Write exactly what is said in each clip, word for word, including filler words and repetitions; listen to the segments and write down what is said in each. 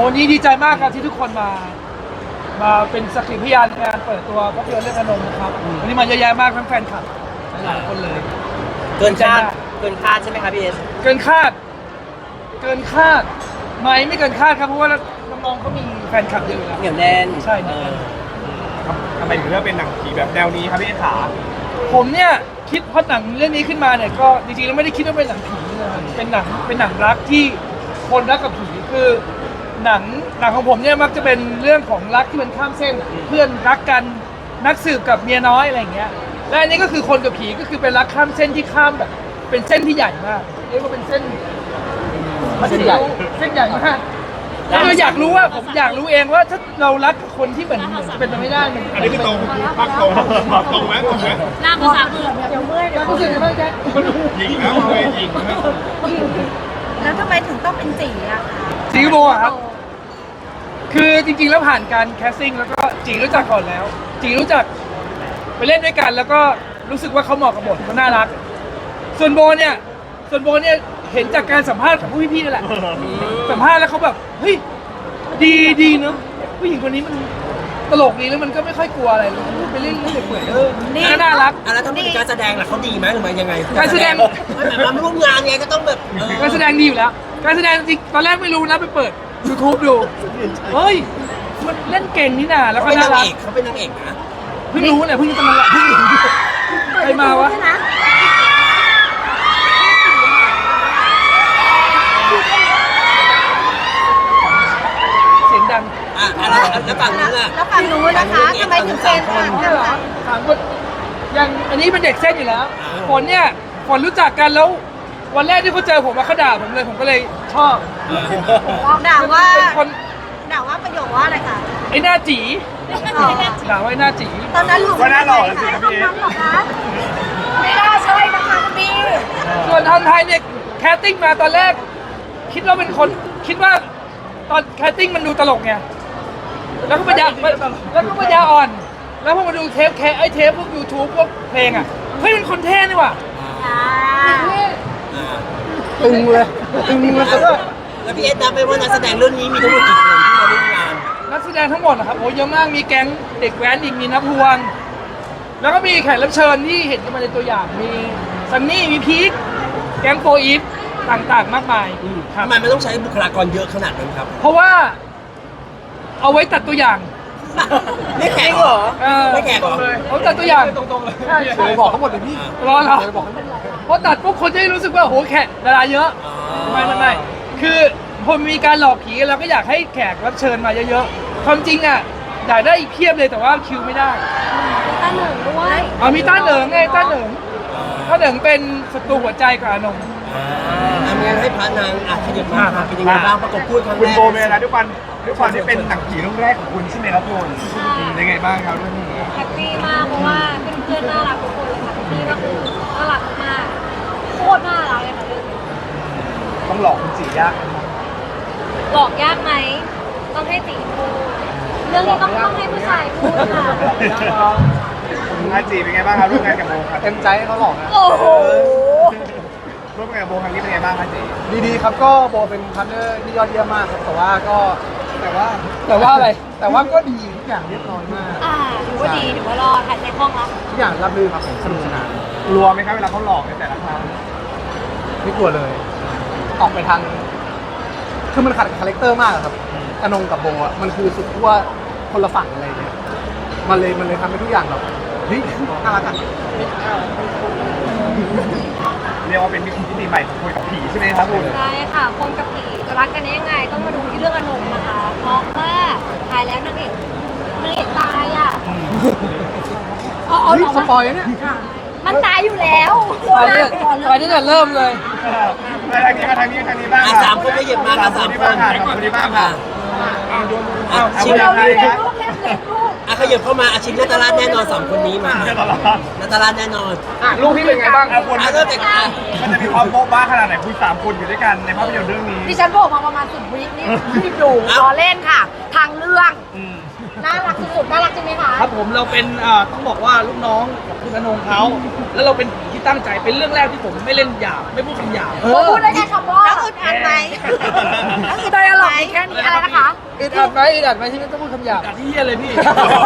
วันนี้ดีใจมากครับที่ทุกคนมา มาเป็นสักขีพยานในการเปิดตัวภาพยนตร์เรื่องอนงครับวันนี้มาเยอะแยะมากทั้งแฟนคลับหลายคนเลยเกินคาดเกินคาดใช่ไหมครับพี่เอสเกินคาด เกินคาดไหมไม่เกินคาดครับเพราะว่าน้องๆเขามีแฟนคลับเยอะอยู่แล้วเหนียวแน่นใช่เหนียวแน่นทำไมถึงเลือกเป็นหนังผีแบบแนวนี้ครับพี่เอสขาผมเนี่ยคิดพอหนังเรื่องนี้ขึ้นมาเนี่ยก็จริงๆแล้วไม่ได้คิดว่าเป็นหนังผีนะครับเป็นหนังเป็นหนังรักที่คนรักกับผีคือหนังหนังของผมเนี่ยมักจะเป็นเรื่องของรักที่มันข้ามเส้น เพื่อนรักกันนักสืบกับเมียน้อยอะไรอย่างเงี้ยและอันนี้ก็คือคนกับผีก็คือเป็นรักข้ามเส้นที่ข้ามแบบเป็นเส้นที่ใหญ่มากเรียกว่าเป็นเส้นเส้นใหญ่เส้นใหญ่มากคืออยากรู้ว่าผมอยากรู้เองว่าถ้าเรารักกับคนที่เหมือนเหมือนจะเป็นไปไม่ได้มันอันนี้คือตรงภาคตรงตรงไหมตรงไหมหน้าภาษาเบื่อเดี๋ยวเมื่อยเดี๋ยวรู้สึกยังไงบ้างแจ๊คยิงแล้วเลยยิงแล้วแล้วทำไมถึงต้องเป็นจีอะคะจีโบอะครับ คือจริงๆแล้วผ่านการแคสติ้งแล้วก็จีรู้จักก่อนแล้ว จีรู้จักไปเล่นด้วยกันแล้วก็รู้สึกว่าเขาเหมาะกับบทเขาน่ารัก ส่วนโบเนี่ย ส่วนโบเนี่ยเห็นจากการสัมภาษณ์ของผู้พี่ๆนั่นแหละ สัมภาษณ์แล้วเขาแบบเฮ้ยดีดีเนอะผู้หญิงคนนี้มันตลกดีแล้วมันก็ไม่ค่อยกลัวอะไรเลยพูดไปเรื่อยๆเปื่อยๆเออน่ารักอ่ะแล้วถ้าเป็นการแสดงล่ะเขาดีไหมหรือไม่ยังไงการแสดงไม่แบบมาร่วมงานไงก็ต้องแบบเออการแสดงดีอยู่แล้ว การแสดงจริงตอนแรกไม่รู้นะไปเปิด YouTube ดูเฮ้ยมันเล่นเก่งนี่นาแล้วเขาก็เป็นนาน่าง รักเอกเขาเป็นนางเอกนะเพิ่งรู้เนี่ยเพิ่งจะมาละเพิ่งรู้ใครมาวะเสียงดังอ่ะอะไรแล้วฝั่งนู้นล่ะแล้วฝั่งนู้นนะคะทำไมถึงเป็นฝั่งนู้นเนี่ยเหรอถามคนยังอันนี้เป็นเด็กเส้นอยู่แล้วฝนเนี่ยฝนรู้จักกันแล้ว วันแรกที่เขาเจอผมมาเขาด่าผมเลยผมก็เลยชอบด่าว่าเป็นคนด่าว่าประโยคว่าอะไรคะไอ้หน้าจีด่าว่าไอ้หน้าจีตอนนั้นหลุดก็น่าหล่อแล้วสิครับตอนพี่เอนั้สนเหรอคะไม่น่าใช่นะคะคุณพี่ส่วนทางไทยเนี่ยแคสติ้งมาตอนแรก คิดว่าเป็นคนคิดว่าตอนแคสติ้งมันดูตลกไงแล้วก็ปัญญาแล้วก็ปัญญาอ่อน แล้วพอมาดูเทปแคไอเทปพวก YouTube พวกเพลงอ่ะเฮ้ยมันคนเท่นี่ว่ะอ่าตึงเลยตึงเลยแล้วก็แล้วพี่เอสนับไปว่านักแสดงเรื่องนี้มีทั้งหมดกี่คนที่มาร่วมงานนักแสดงทั้งหมดนะครับโอ้เยอะมากมีแก๊งเด็กแว้นอีกมีนับพวง แล้วก็มีแขกรับเชิญที่เห็นกันมาในตัวอย่างมีซันนี่มีพีคแก๊งโฟอีฟต่างๆ มากมายครับทำไมมันต้องใช้บุคลากรเยอะขนาดนั้นครับเพราะว่าเอาไว้ตัดตัวอย่างไม่แขกเหรอเออไม่แขกเหรอเขาตัดตัวอย่างตรงๆเลยใช่ใช่บอกเขาหมดเลยพี่รอเหรอเพราะตัดปุ๊บคนจะได้รู้สึกว่าโหแขกดาราเยอะไม่ไม่ไม่คือพอมีการหลอกผีเราก็อยากให้แขกรับเชิญมาเยอะๆความจริงอ่ะอยากได้อีกเพียบเลยแต่ว่าคิวไม่ได้ตาหนึ่งด้วยอ๋อมีต้าเหนิงไงต้าเหนิงต้าเหนิงเป็นศัตรูหัวใจกับอานงทำงานให้พระนางอ่ะขยับมาค่ะเป็นยังไงบ้างประกบพูดครั้งคุณแรกโบเมนะด้วยความด้วยความที่เป็นหนังผีเรื่องแรกของคุณใช่ไหมครับคุณเป็นไงบ้างครับเรื่องนี้แฮปปี้มากเพราะว่าเพื่อนๆน่ารักทุกคนเลยค่ะพี่ก็คือน่ารักมากโคตรน่ารักเลยค่ะเรื่องนี้ต้องหลอกคุณจียากหลอกยากไหมต้องให้ตีพูดเรื่องนี้ต้องต้องให้ผู้ชายพูดค่ะอาจีเป็นไงบ้างครับร่วมงานกับโบครับเต็มใจให้เขาหลอกนะโอ้โหร่วมงานกับโบครั้งนี้เป็นไงบ้างครับจีดีๆครับก็โบเป็นพาร์ทเนอร์ที่ยอดเยี่ยมมากครับแต่ว่าก็แต่ว่าแต่ว่าอะไรแต่ว่าก็ดีทุกอย่างเรียบร้อยมากอ่าถือว่าดีถือว่ารอดถ่ายในห้องแล้วทุกอย่างรับรื่นครับผมสนุกสนานกลัวไหมครับเวลาเขาหลอกในแต่ละครั้งไม่กลัวเลย ออกไปทางคือมันขัดกับคาแรคเตอร์มากอะครับอนงกับโบอ่ะมันคือสุดขั้วคนละฝั่งอะไรเงี้ยมันเลยมันเลยทำให้ทุกอย่างแบบเฮ้ยน่ารักอ่ะเรียกว่าเป็นมิติใหม่ของคนกับผีใช่ไหมครับคุณใช่ค่ะคนกับผีจะรักกันได้ยังไงต้องมาดูที่เรื่องอนงนะคะ เพราะว่าถ่ายแล้วนางเอกนางเอกตายอ่ะอ๋อเฮ้ยเหรอสปอยล์เนี่ยมันตายอยู่แล้วตอนนี้ตอนนี้เนี่ยเริ่มเลยมาทางนี้มาทางนี้ทางนี้บ้างอ่ะสามคนขยับมาค่ะสามนี้คบ้างนค่ะสามคนนี้บ้างค่ะอ่ะเอาชิงเวลาเล็กลูกเล็กเล็กลูกอ่ะขยับเข้ามาอาชิงนัตตาลาแน่นอนสามคนนี้มานัตตาลาแน่นอนอ่ะลูกพี่เป็นไงบ้างเอาคนอ่ะเริ่มจากอ่ะมันจะมีความโบ๊ะบ้าขนาดไหนคุณสามคนอยู่ด้วยกันในภาพยนตร์เรื่องนี้ดิฉันบอกมาประมาณสิบวินี่รีบดูรอเล่นค่ะ ทางเรื่องน่ารักสุดๆน่ารักจริงไหมคะครับผมเราเป็นเอ่อต้องบอกว่าลูกน้องของคุณอนงเขาแล้วเราเป็นผีที่ตั้งใจเป็นเรื่องแรกที่ผมไม่เล่นหยาบไม่พูดคำหยาบโบพูดได้แค่คำว่าแล้วอึดอัดไหมแล้วคือไดอะล็อกมีแค่นี้อะไรนะคะอึดอัดไหมอึดอัดไหมที่ไม่ต้องพูดคำหยาบอัดที่เหี้ยเลยพี่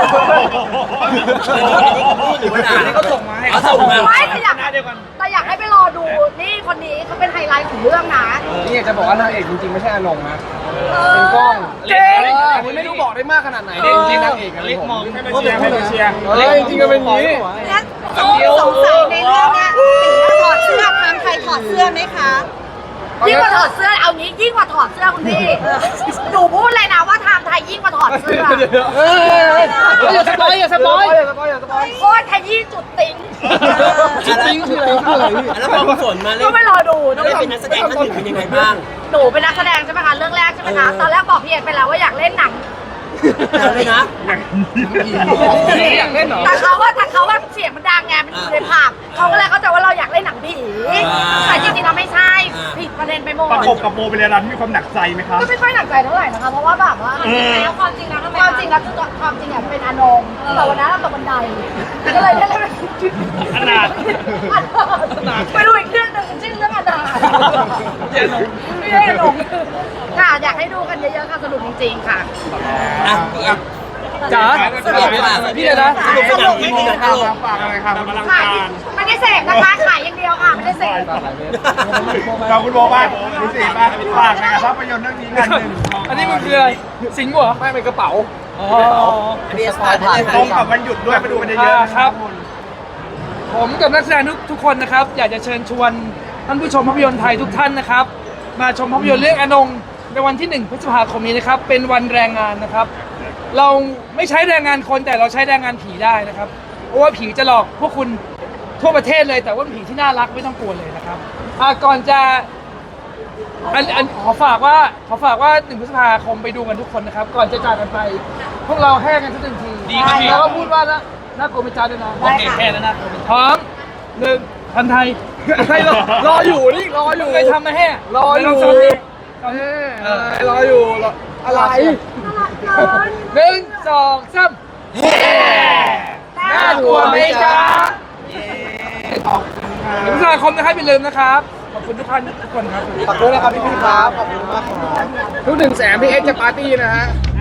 หรือว่าด่าอันนี้เขาส่งมาให้เขาส่งมาไม่แต่อยากหน้าเดียวกันแต่อยากให้ไปรอดูนี่คนนี้เขาเป็นไฮไลท์ของเรื่องนะนี่อยากจะบอกว่านางเอกจริงๆไม่ใช่อนงนะเอเป็นกล้องเก่งเอออันนี้ไม่รู้บอกได้มากขนาดไหนจริงๆนางเอกอะเล็กมองผมให้มาเชียร์ให้มาเชียร์เออจริงๆก็เป็นอย่างนี้แล้วสงสัยในเรื่องเนี้ยตีถอดเสื้อทางใครถอดเสื้อไหมคะยิ่งกว่าถอดเสื้อเอางี้ยิ่งกว่าถอดเสื้อคุณพี่หนูพูดเลยนะว่าไทม์ไทยยิ่งกว่าถอดเสื้อเอออย่าสปอยอย่าสปอยอย่าสปอยอย่าสปอยโคตรขยี้จุดติ้งจุดติ้งคืออะไรคืออะไรพี่แล้วพอคุณฝนมาเล่ก็นไปรอดูนะได้เป็นนักแสดงท่านหนึ่งเป็นยังไงบ้างหนูเป็นนักแสดงใช่ไหมคะเรื่องแรกใช่ไหมคะตอนแรกบอกพี่เอ็ดไปแล้วว่าอยากเล่นหนังแต่เลยนะอยากเล่นเหรอแต่เขาว่าแต่เขาว่าเสียงมันดังไงมันอยู่ในภาพเขาก็เลยเข้าใจว่าเราอยากเล่นหนังผีแต่จริงๆเราไม่ใช่ผิดประเด็นไปหมดประกบกับโบเบลรันมีความหนักใจไหมครับก็ไม่ค่อยหนักใจเท่าไหร่นะคะเพราะว่าแบบว่าแล้วความจริงแล้วทำไมความจริงแล้วคือความจริงอ่ะเป็นอนงแต่วันนั้นเราตกบันไดก็เลยได้เล่นอนาถไปดูอีกเรื่องหนึ่งชื่อเรื่องอนาถเดี๋ยวลงไม่ได้อนงค่ะอยากให้ดูกันเยอะๆค่ะสนุกจริงๆค่ะอ่ะพี่เอ็มจ๋าสรุปดีกว่าพี่เลยนะสรุปเป็นหนังกี่โมงตลกฝากอะไรครับกำลังขายการไม่ได้เสพนะคะขายอย่างเดียวค่ะไม่ได้เสพเราคุณโบบ้างคุณสีบ้างฝากในภาพยนตร์เรื่องนี้กันหนึ่งอันนี้มันคืออะไรสิงห์เหรอไม่เป็นกระเป๋าอ๋ออันนี้สปอยได้เลยตรงกับวันหยุดด้วยมาดูกันเยอะๆอ่านะคครัรับ บผมกับนักแสดงทุกทุกคนนะครับ อยากจะเชิญชวนท่านผู้ชมภาพยนตร์ไทยทุกท่านนะครับ มาชมภาพยนตร์เรื่องอนงในวันที่หนึ่งพฤษภาคมนี้นะครับ เป็นวันแรงงานนะครับ เราไม่ใช้แรงงานคนแต่เราใช้แรงงานผีได้นะครับ เพราะว่าผีจะหลอกพวกคุณทั่วประเทศเลย แต่ว่าเป็นผีที่น่ารักไม่ต้องกลัวเลยนะครับอ่าก่อนจะอันอันขอฝากว่าขอฝากว่าหนึ่งพฤษภาคมไปดูกันทุกคนนะครับ ก่อนจะจากกันไป พวกเราแห้กันสักหนึ่งทีดีครับแล้วก็พูดว่านะน่ากลัวไม่จ้าด้วยนะได้ค่ะแค่นั้นนะพร้อมหนึ่งพันไทยใครรอรออยู่นี่รออยู่เคยทำมาแห่รออยู่ลงสมาธิเออรออยู่รออะไรหนึ่งสองสามน่ากลัวไหมจ๊ะหนึ่งพฤษภาคมนะครับอย่าลืมนะครับ ขอบคุณทุกท่านทุกคนครับขอบคุณนะครับพี่พี่ครับ ขอบคุณมากครับทุกหนึ่งแสนพี่เอ็กซ์จะปาร์ตี้นะฮะ